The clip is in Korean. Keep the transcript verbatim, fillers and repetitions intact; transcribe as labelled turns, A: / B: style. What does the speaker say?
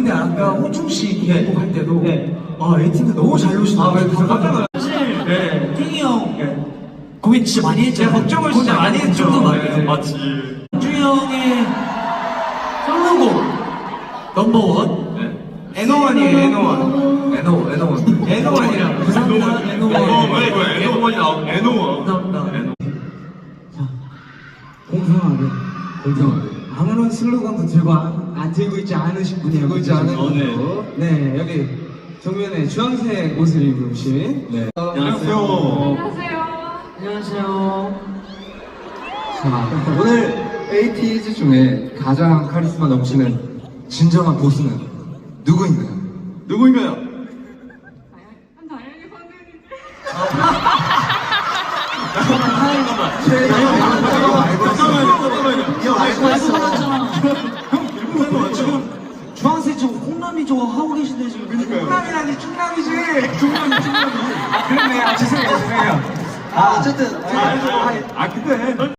A: 근데 아까 호중 씨
B: 네.
A: 곡할 때도
B: 네.
A: 아 에이틴트 너무 잘 노시더라고요.
B: 아, 그래서 깜짝 놀랐어요.
A: 사실
B: 네.
A: 탱이 형
B: 네.
A: 고민 진짜 많이 했잖아요.
B: 제가 걱정을 진짜 많이 했죠.
A: 걱정도 많이
B: 네.
A: 했죠.
B: 맞지.
A: 준이 형의 솔로곡 넘버원
B: 네. 에노원이에요, 에노원. 에노, 에노원. 에노원이랑.
A: 감사합니다. 에노원.
B: 왜, 왜, 에노원이 나오고, 에노원.
A: 감사합니다.
B: 에노.
A: 공평하게 공평하게 아무런 슬로건도 들고 안, 안 들고 있지 않으신 분이에요. 들고 있지 않은
B: 어, 네.
A: 네 여기 정면에 주황색 옷을 입으신 네.
B: 안녕하세요.
A: 안녕하세요.
C: 자, 오늘 에이티즈 중에 가장 카리스마 넘치는 진정한 보스는 누구인가요?
B: 누구인가요?
A: 지금 주황색 저 홍남이 저거 하고 계신데 지금 홍남이라니 충남이지. 충남이 충남이. 아 그렇네. 아 죄송해요 죄송해요. 아 어쨌든
B: 아, 아, 아, 근데.